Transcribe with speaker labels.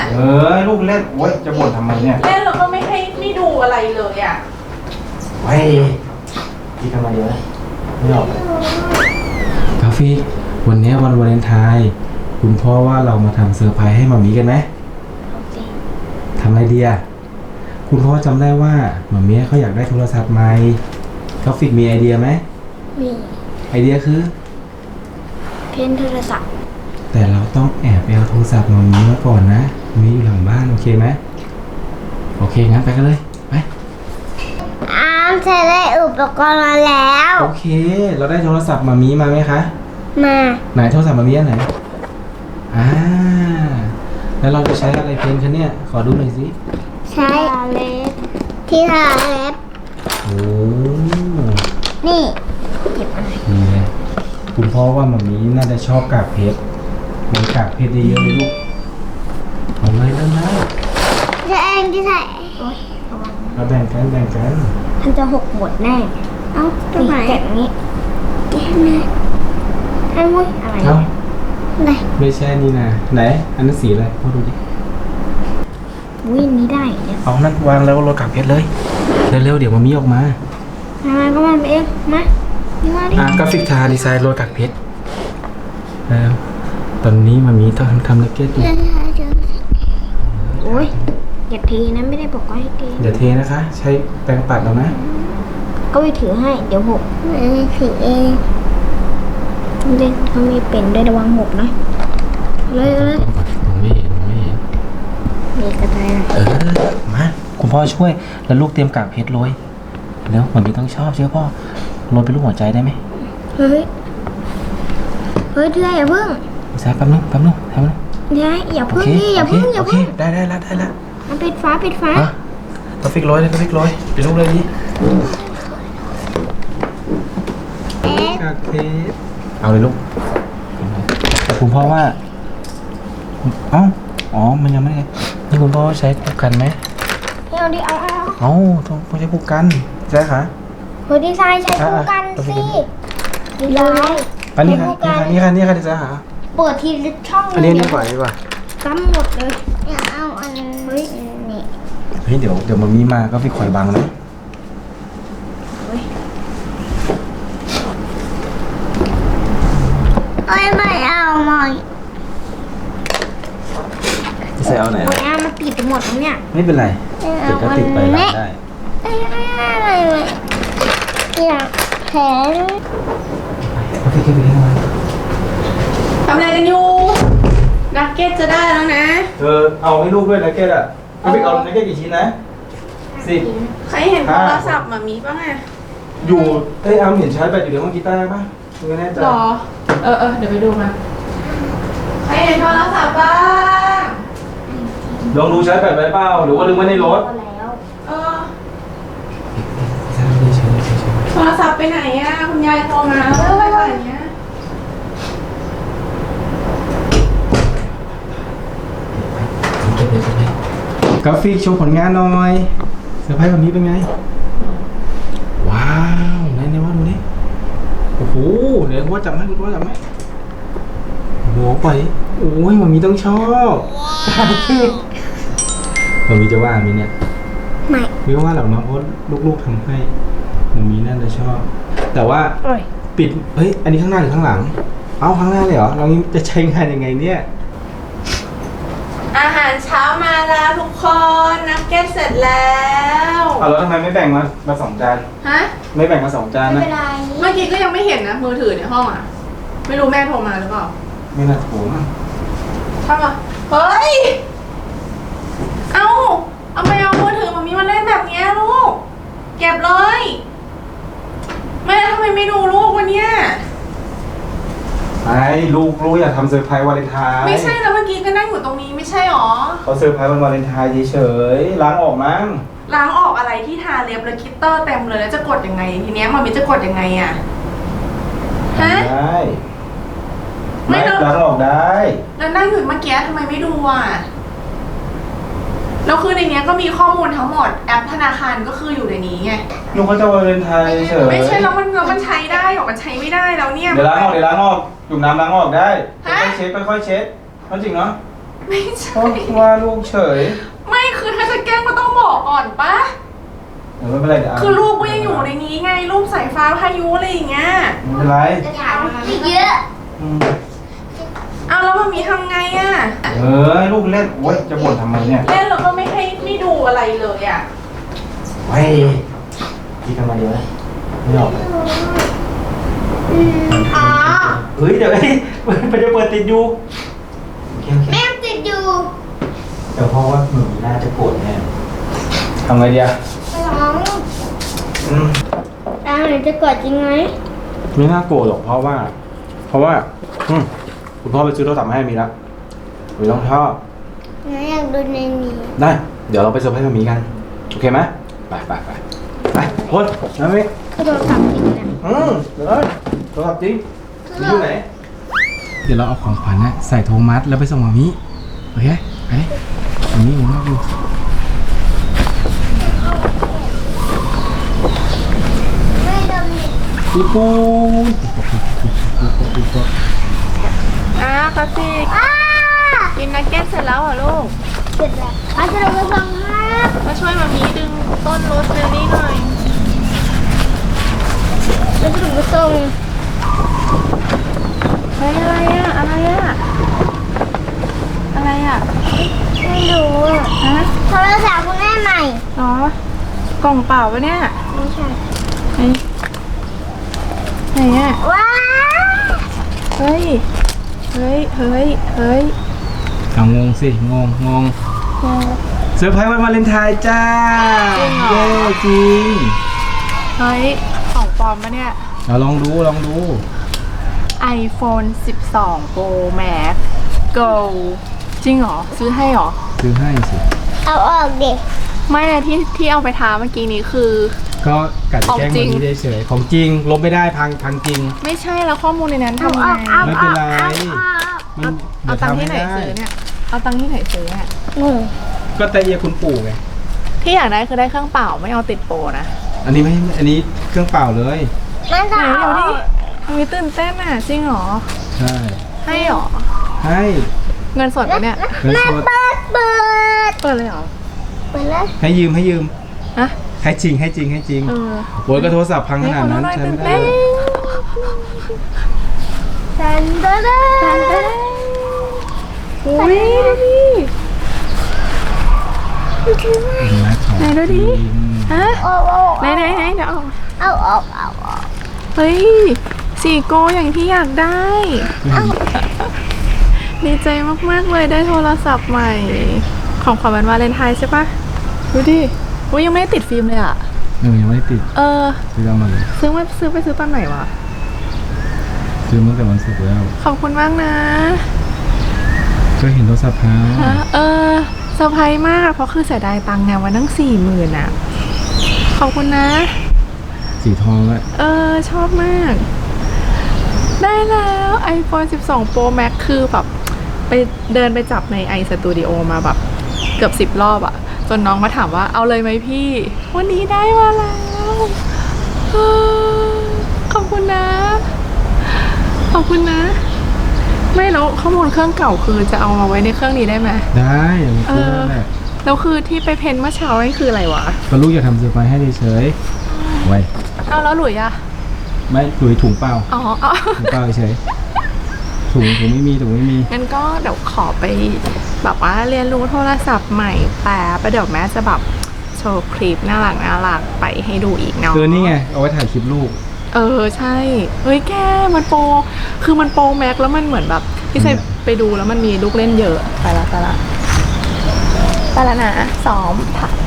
Speaker 1: ลูกเล่นโอ๊ยจะบ่นทำไมเนี่ย
Speaker 2: เล่นแล้วก็ไม่ดูอะไรเลยอ่ะ
Speaker 1: ไว้พี่ทำไมเยอะไม่ออกกาฟิกวันนี้วันวาเลนไทน์คุณพ่อว่าเรามาทำเซอร์ไพรส์ให้มามีกันไหมทำอะไรดีอ่ะคุณพ่อจำได้ว่ามามีเขาอยากได้โทรศัพท์ใหม่กาฟิกมีไอเดียไหม
Speaker 3: มี
Speaker 1: ไอเดียคือ
Speaker 3: เพ้นโทรศัพท์
Speaker 1: แต่เราต้องแอบไปเอาโทรศัพท์มามีมาก่อนนะมีอยู่หลังบ้านโอเคไหมโอเคงั้นไปกันเลยไป
Speaker 3: จะได้อุปกรณ์มาแล้ว
Speaker 1: โอเคเราได้โทรศัพท์มามีมาไหมคะ
Speaker 3: มา
Speaker 1: ไหนโทรศัพท์มามีอันไหนแล้วเราจะใช้อะไรเพลงคะเนี่ยขอดูหน่อยสิ
Speaker 3: ใช้เล็บที่ทาเล็บ
Speaker 1: โอ้
Speaker 3: นี่เก็บอะไร
Speaker 1: นี่เลยคุณพ่อว่ามามีน่าจะชอบกากเพชรมีกากเพชรเยอะๆเลยลูกเอาเลยเริ่มแล้ว
Speaker 3: ใช้เองที่ใส่
Speaker 1: เราแบ่งกัน
Speaker 3: มันจะหกหมดแน่เอาตรงไหนแบบนี้แก้มนะให้มุ้ยอะไรไหน
Speaker 1: ไม่ใช่นี่นะไหนอันนั้นสีอะไรพ่อดูดิ
Speaker 3: วิ่งนี้ได้เนี่ย
Speaker 1: เอานั่นวางแล้วรถกากเพชรเลยเร็วๆเดี๋ยวมามีออกมา
Speaker 3: ก็มันเองมาดิ
Speaker 1: กราฟิกทาดีไซน์รถกากเพชรแล้วตอนนี้มามีต้องทำนักเก็ตอยู่
Speaker 3: โอ้ยอย่าเทนะไม่ได้บอกว่าให้เท
Speaker 1: อย่าเทนะคะใช้แปรงปัดเอานะ
Speaker 3: ก็ไปถือให้เดี๋ยวหกถือเองเล่นเขามีเป็นได้ระวังหกนะเลย
Speaker 1: ไม่เห็น
Speaker 3: มีกระต่าย
Speaker 1: มาคุณพ่อช่วยแล้วลูกเตรียมกากเพชรโรยแล้วมันมีต้องชอบเชื่อพ่อโรยเป็นรูปหัวใจได้ไหม
Speaker 3: เฮ้ยเธออย่าพึ่ง
Speaker 1: ใส่แป๊บนึงทำนึง
Speaker 3: อย่าพึ่งนี่อย่าพึ่ง
Speaker 1: ได้แล้ว
Speaker 3: มันปิดฟ้า
Speaker 1: ต้องฟิกโรยเป็นรูปเลยดิกากเพชรเอาเลยลูกแต่คุณพ่อว่ามันยังไม่ได้นี่คุณพ่อใช้ผูกกันไหม
Speaker 3: เอาดิ
Speaker 1: ต้องใช้ผูกกันใช่ค่ะ
Speaker 3: ดีไซน์ใช้ผูกกันสิดีไซน์
Speaker 1: อันนี้ค่ะดีไซน์ค่ะ
Speaker 3: เปิดทีช่อง
Speaker 1: อันนี้ดีกว่า
Speaker 3: ซ้ำหมดเลยเอาอัน
Speaker 1: นี้เดี๋ยวมันมีมาก็ไปคอยบังนะ
Speaker 3: ไม่เอา
Speaker 1: จะใส่เอาไหน
Speaker 3: มันติดหมดแล้วเนี่ย
Speaker 1: ไม่เป็นไรติดก็ติดไปรับได้
Speaker 3: อยากแผล
Speaker 2: ทำอะไรกันอยู่นักเก็ตจะได้แล้วนะ
Speaker 1: เอาให้ลูกด้วยนักเก็ตอ่ะพี่เอานักเก็ตกี่ชิ้นนะ
Speaker 2: 10ใครเห็นโทรศัพท์มามีป่ะไง
Speaker 1: อยู่เอาเห็นชาร์จแบตอยู่ในห้องกีตาร์ป่ะไม่แน่ใจ
Speaker 2: หรอเดี๋ยวไปดูมาใครเห็นโทรศัพท์บ้าง
Speaker 1: ลองดูชาร์จแบตไว้เปล่าหรือว่าลืมไว้ในรถ
Speaker 2: โทรศัพท์ไปไหนอ่ะคุณยายโทรมาแล้วอะไรแบบนี้
Speaker 1: กราฟิกโชว์ผลงานหน่อยเซอร์ไพรส์แบบนี้เป็นไงว้าวไหนว่าดูนี่โอ้โหเดี๋ยวว่าจับไหมโอ้ไปโอ้ยมันมีต้องชอบมันมีจะว่ามีเนี่ยไม่ว่าหรอกนะเพราะลูกๆทำให้มันมีน่าจะชอบแต่ว่าปิดอันนี้ข้างหน้าหรือข้างหลังข้างหน้าเลยเหรอเราจะใช้งานยังไงเนี่ย
Speaker 2: อาหารเช้ามาแล้วทุกคนนักเก็ตเสร็จแล้ว
Speaker 1: แล้วทำไมไม่แบ่งมา2 จานไม่แบ่งมา2 จานนะ
Speaker 2: เมื่อกี้ก็ยังไม่เห็นนะมือถือในห้องอ่ะไม่รู้แม่โทรมาหรือเปล่า
Speaker 1: ไม่น่าโทรมา
Speaker 2: ทำไมเฮ้ยเอาไปเอามือถือมามีมาเล่นแบบนี้ลูกเก็บเลยแม่ทำไมไม่ดูลูกวันเนี้ย
Speaker 1: ลูกอยากทำเซอร์ไพรส์วาเลนไทน์
Speaker 2: ไม่ใช่แล้วเมื่อกี้ก็นั่งอยู่ตรงนี้ไม่ใช่หรอ
Speaker 1: เขาเซอร์ไพรส์วันวาเลนไทน์เฉยๆล้างออกมั้ง
Speaker 2: ล้างออกอะไรที่ทาเล็บแล้วคิตเตอร์เต็มเลยแล้วจะกดยังไงทีเนี้ยมันจะกดยังไงอ่ะ
Speaker 1: ได้ไม่ล้างออกได้
Speaker 2: แล้วนั่งอยู่เมื่อกี้ทำไมไม่ดูอ่ะแล้วคือในนี้ก็มีข้อมูลทั้งหมดแอปธนาคารก็คืออยู่ในนี้ไง
Speaker 1: ลูกเขาจะวาเลนไทน์เฉย
Speaker 2: ไม่ใช่แล้วมันใช้ได้หรอมันใช้ไม่ได้แล้วเนี่ย
Speaker 1: เดี๋ยวล้างออกจุ่มน้ำล้างออกได้ค่อยเช็ดค่อยเช็ดจริงเนาะ
Speaker 2: ไม่ใช่
Speaker 1: ว่าลูกเฉย
Speaker 2: ไม่คือถ้าจะแกล้งก็ต้องบอกก่อนปะ
Speaker 1: เดี๋ยวไม่เป็นไรเดี๋ยว
Speaker 2: คือลูกก็ยังอยู่ในนี้ไงลูกสายฟ้าพายุอะไรอย่างเงี้ย
Speaker 1: ไม่เป็นไร
Speaker 3: เยอะ
Speaker 1: อืม
Speaker 2: เอาแล้วมันมีทำไงอะ
Speaker 1: ลูกเล่นโอ๊ยจะบ่นทำไมเนี่ย
Speaker 2: เล่นแล้วก็ไม่ให้ไม่ดูอะไรเลยอะ
Speaker 1: เฮ้ยพี่ทำไมเดี๋ยวนะไม่ออกเลย
Speaker 3: อ๋อ
Speaker 1: เฮ้ยเดี๋ยวมันจะเปิดติดอยู่โอเค
Speaker 3: แม่ติดอยู่
Speaker 1: เดี๋ยวพ่อว่าหนูน่าจะโกรธแน่ทำไงดีอะ
Speaker 3: น้อง
Speaker 1: อืม
Speaker 3: ตาหนูจะกดจริงไหม
Speaker 1: ไม่น่าโกรธหรอกเพราะว่าคุณพ่อไปซื้อโทรศัพท์มาให้มีแล้วมีต้องชอบ
Speaker 3: หนูอยากดูในนี้
Speaker 1: ได้ เดี๋ยวเราไปเซอร์ไพรส์มามีกัน โอเคไหมไปคนนะมิ
Speaker 3: คือโทรศัพท์จริงนะ
Speaker 1: เดี๋ยวโทรศัพท์จริงอยู่ไหน เดี๋ยวเราเอาของขวัญนะใส่โทมัสแล้วไปส่งมามิโอเคไปมามิผมรออยู่
Speaker 3: ไม่ดม
Speaker 1: ปีปู
Speaker 2: คาสิก
Speaker 3: อ้า
Speaker 2: กินนักเก็ตเสร็จแล้วเหรอลูก
Speaker 3: เสร็จแล้วอาจจะเราไปฟังฮะ
Speaker 2: มาช่วยมามีดึงต้นโรสเบอร์รี่หน่อย
Speaker 3: เราจะไปส่ง
Speaker 2: เฮ้ยอะไรอะอะไรอะอะไรอะ
Speaker 3: ไม่รู้อะ
Speaker 2: ฮะ
Speaker 3: โทรศัพท์คุณแม่ใหม่
Speaker 2: อ๋อกล่องเปล่าปะเนี่ย
Speaker 3: ไม่ใช่
Speaker 2: ไหนอะ
Speaker 3: ว้าว
Speaker 2: เฮ้ยเฮ้ย
Speaker 1: เอางงสิงงเซอร์ไพรส์วันวาเลนไทน์จ้า
Speaker 2: จริงเหรอ
Speaker 1: เย้จริง
Speaker 2: เฮ้ยของปลอมปะเนี่ย
Speaker 1: เอาลองดู
Speaker 2: iPhone 12 Pro Max Go จริงเหรอ ซื้อให้เหรอ
Speaker 1: ซื้อให้สิ
Speaker 3: เอาออกเด็ก
Speaker 2: ไม่อะที่เอาไปทาเมื่อกี้นี้คือ
Speaker 1: ก็กัดแกล้ง
Speaker 2: ของจริ
Speaker 1: มัน
Speaker 2: ง
Speaker 1: นี้เฉยๆของจริงลบไม่ได้พังจริง
Speaker 2: ไม่ใช่แล้วข้อมูลในนั้น
Speaker 3: เอา
Speaker 2: ทำ
Speaker 3: อ
Speaker 2: ไง
Speaker 3: อกเอา
Speaker 1: ไม่
Speaker 3: อ
Speaker 1: เป็น
Speaker 3: อก
Speaker 1: ไร
Speaker 3: เอาออก
Speaker 1: มัน
Speaker 2: เอาตังค์ที่ไหน
Speaker 1: ดี๋ยวทำ
Speaker 2: ซื้อเนี่ย เอาตังค์ที่ไหนซื้อเนี่ย
Speaker 3: งง
Speaker 1: ก็แต่เอียคุณปู่ไง
Speaker 2: ที่อยากได้คือได้เครื่องเปล่าไม่เอาติดโปรนะ
Speaker 1: อันนี้ไม่อันนี้เครื่องเปล่าเลย
Speaker 3: แม่
Speaker 2: ไหน
Speaker 3: จะเอา
Speaker 2: เดี๋ยว
Speaker 3: อ
Speaker 2: ดิ
Speaker 3: อก
Speaker 2: มีตื่นเต้นอ่ะจริงเหรอ
Speaker 1: ใช่
Speaker 2: ให้เหรอ
Speaker 1: ให้
Speaker 2: เงินสดปะเนี่ย
Speaker 1: เงิน
Speaker 3: แม่
Speaker 1: สด
Speaker 3: เปิด
Speaker 2: เปิดเลยเหรอ
Speaker 3: เปิดแล้ว
Speaker 1: ให้ยืม
Speaker 2: ฮะ
Speaker 1: ให้จริง
Speaker 2: เออ
Speaker 1: โอ้ยก็โทรศัพท์พังขนาดนั้น
Speaker 2: ให้
Speaker 1: ใช้
Speaker 2: คน
Speaker 1: ไม่
Speaker 2: ละหน่อย
Speaker 1: ได้
Speaker 2: ตื่นเต้น
Speaker 3: แทนเด้อ
Speaker 2: อุ้ยดูดิ ไหนดูดิ ฮะ
Speaker 3: โอ้โอ้
Speaker 2: ไหนเดี๋ยวเอา
Speaker 3: เอาออกเอาออก
Speaker 2: เฮ้ยสีโกอย่างที่อยากได้ ดีใจมากๆเลยได้โทรศัพท์ใหม่ ของขวัญวันวาเลนไทน์ใช่ปะดูดิอุ้ยยังไม่ได้ติดฟิล์มเลยอ่ะ
Speaker 1: ยังไม่ได้ติด
Speaker 2: เออ
Speaker 1: ซื้อเอามาเลย
Speaker 2: ซื้อไปซื้อตอนไหนวะ
Speaker 1: ซื้อมาตั้งแต่วันศุกร์แล้ว
Speaker 2: ขอบคุณมากนะ
Speaker 1: ก็เห็นโทรศัพท์พัง
Speaker 2: ฮะเออเซอร์ไพรส์มากเพราะคือเสียดายตังค์ไงวันตั้ง40,000อ่ะ ขอบคุณนะ
Speaker 1: สีทองแล้ว
Speaker 2: เออชอบมาก ได้แล้ว iPhone 12 Pro Max คือแบบไปเดินไปจับใน iStudio มาแบบเกือบ10 รอบอะจนน้องมาถามว่าเอาเลยไหมพี่ วันนี้ได้มาแล้วเออขอบคุณนะ ขอบคุณนะ ไม่แล้วข้อมูลเครื่องเก่าคือจะเอามาไว้ในเครื่องนี้ได้ไหม
Speaker 1: ได้อย่างนี้ก็ได้แหละ
Speaker 2: แล้วคือที่ไปเพ้นเมื่อเช้านี่คืออะไรวะ
Speaker 1: ก็ลูกอยากทำเซอร์ไพรส์ให้เฉยๆไว้
Speaker 2: เอาแล้วหลุยอะ
Speaker 1: ไม่ถุยถุงเปล่า
Speaker 2: อ๋อเอา
Speaker 1: ถุงเปล่าเฉยถุงไม่มี
Speaker 2: งั้นก็เดี๋ยวขอไปแบบว่าเรียนรู้โทรศัพท์ใหม่แป๊บเดี๋ยวแม่จะแบบโชว์คลิปน่ารักไปให้ดูอีกเนาะ
Speaker 1: นี่ไงเอาไว้ถ่ายคลิปลูก
Speaker 2: เออใช่เฮ้ยแกมันโปรคือมันโปรแม็กแล้วมันเหมือนแบบที่ใส่ไปดูแล้วมันมีลูกเล่นเยอะไปละนะซ้อมถ่าย